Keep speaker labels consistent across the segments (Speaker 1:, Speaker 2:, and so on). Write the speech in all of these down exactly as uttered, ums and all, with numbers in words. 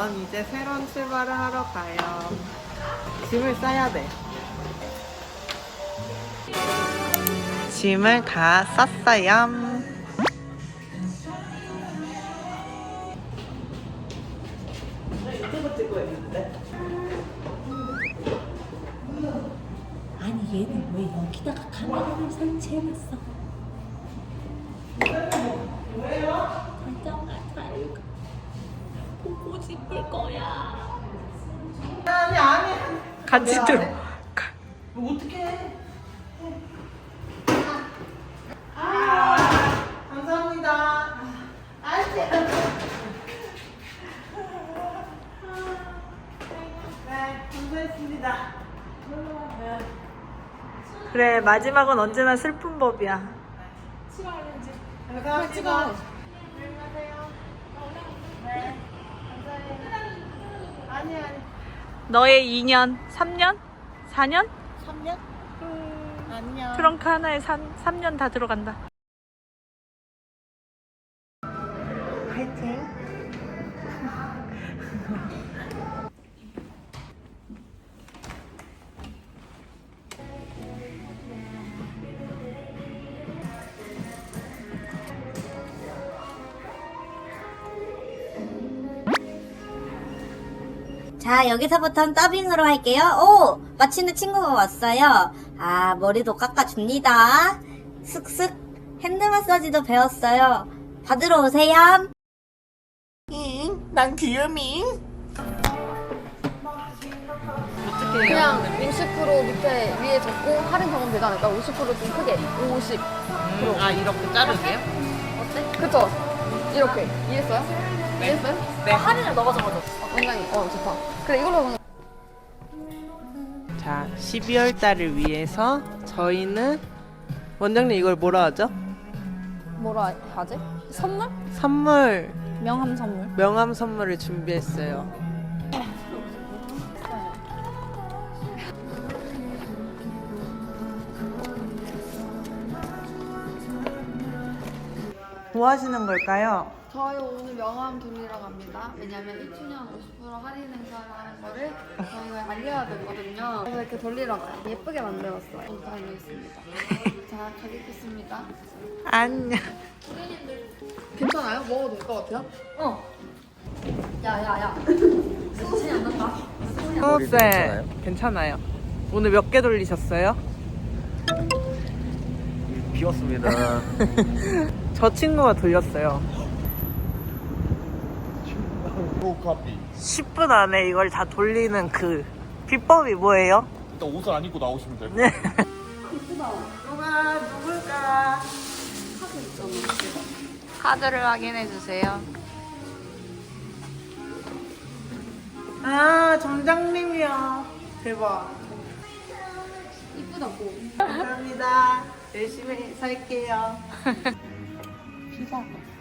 Speaker 1: 있으면 이제 새로운 출발을 하러 가요. 짐을 싸야 돼. 짐을 다 쌌어요. 유튜브 찍고 있는데.
Speaker 2: 아니 얘는 왜 여기다가 카메라를 설치해놨어?
Speaker 1: 뭐예요?
Speaker 2: 다정하다 이거 보고 싶을 거야.
Speaker 1: 아니 아니.
Speaker 3: 같이 들어.
Speaker 1: 뭐 어떡해. 아, 감사합니다. 아이씨. 네, 감사했습니다.
Speaker 3: 그래, 마지막은 언제나 슬픈 법이야.
Speaker 1: 감사합니다. 네, 감사해요. 아니 아니.
Speaker 3: 너의 이 년, 삼 년? 사 년?
Speaker 1: 삼 년? 안녕.
Speaker 3: 트렁크 하나에 삼 년 다 들어간다.
Speaker 1: 화이팅.
Speaker 2: 자, 여기서부터는 더빙으로 할게요. 오! 마침내 친구가 왔어요. 아, 머리도 깎아줍니다. 슥슥 핸드 마사지도 배웠어요. 받으러 오세요.
Speaker 1: 응, 난 귀요미. 어떻게
Speaker 4: 그냥 오십 퍼센트 밑에 위에 적고 할인 적으면 되지 않을까? 오십 퍼센트 좀 크게 오십
Speaker 1: 음, 아 이렇게 자르게요?
Speaker 4: 어때? 그쵸? 이렇게 이해했어요? 이해했어요?
Speaker 1: 네.
Speaker 4: 아, 할인을 넣어서 가져. 어, 굉장히 어 좋다. 그래 이걸로 그냥
Speaker 1: 자, 십이월 달을 위해서 저희는 원장님 이걸 뭐라 하죠?
Speaker 4: 뭐라 하지? 선물?
Speaker 1: 선물,
Speaker 4: 명함 선물.
Speaker 1: 명함 선물을 준비했어요. 뭐 하시는 걸까요?
Speaker 4: 저희 오늘 명함 돌리러 갑니다. 왜냐면 이 주년 오십 퍼센트 할인 행사를 하는 거를 저희가 알려야 되거든요. 그래서 이렇게 돌리러 가요. 예쁘게 만들었어요. 여기 달려있습니다. 자, 가겠습니다.
Speaker 1: 안녕.
Speaker 4: 괜찮아요? 먹어도 될 것 같아요? 어. 야, 야, 야. 정신이 안 난다.
Speaker 1: 성우쌤, 괜찮아요. 오늘 몇 개 돌리셨어요?
Speaker 5: 비웠습니다.
Speaker 1: 저 친구가 돌렸어요.
Speaker 5: 로 카피.
Speaker 1: 십 분 안에 이걸 다 돌리는 그 비법이 뭐예요?
Speaker 5: 일단 옷을 안 입고 나오시면 돼요.
Speaker 1: 네. 누가 누굴까?
Speaker 3: 카드를 확인해 주세요.
Speaker 1: 아, 점장님이요. 대박.
Speaker 4: 이쁘다고.
Speaker 1: 감사합니다. 열심히 살게요.
Speaker 4: 피자.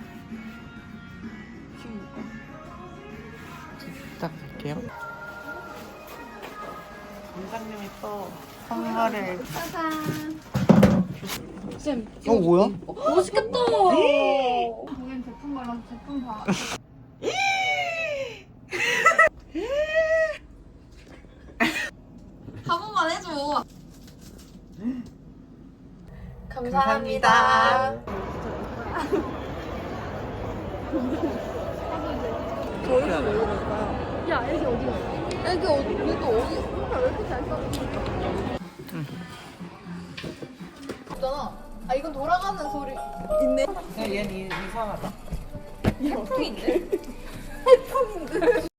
Speaker 1: 부탁드릴게요. 점장님이 또 선물을.
Speaker 4: 짜잔. 쌤.
Speaker 1: 어, 뭐야?
Speaker 4: 어, 맛있겠다. 거긴 제품 발라서 제품 봐. 한 번만 해줘. 감사합니다. 저희가 왜 이럴까요? 야, 애기 어디 갔어? 애기 어디, 얘도 어디, 혼자 왜 이렇게 잘 싸우지? 응. 있잖아. 아, 이건 돌아가는 소리. 있네.
Speaker 1: 얘는 이상하다.
Speaker 4: 해풍인데? 해풍인데?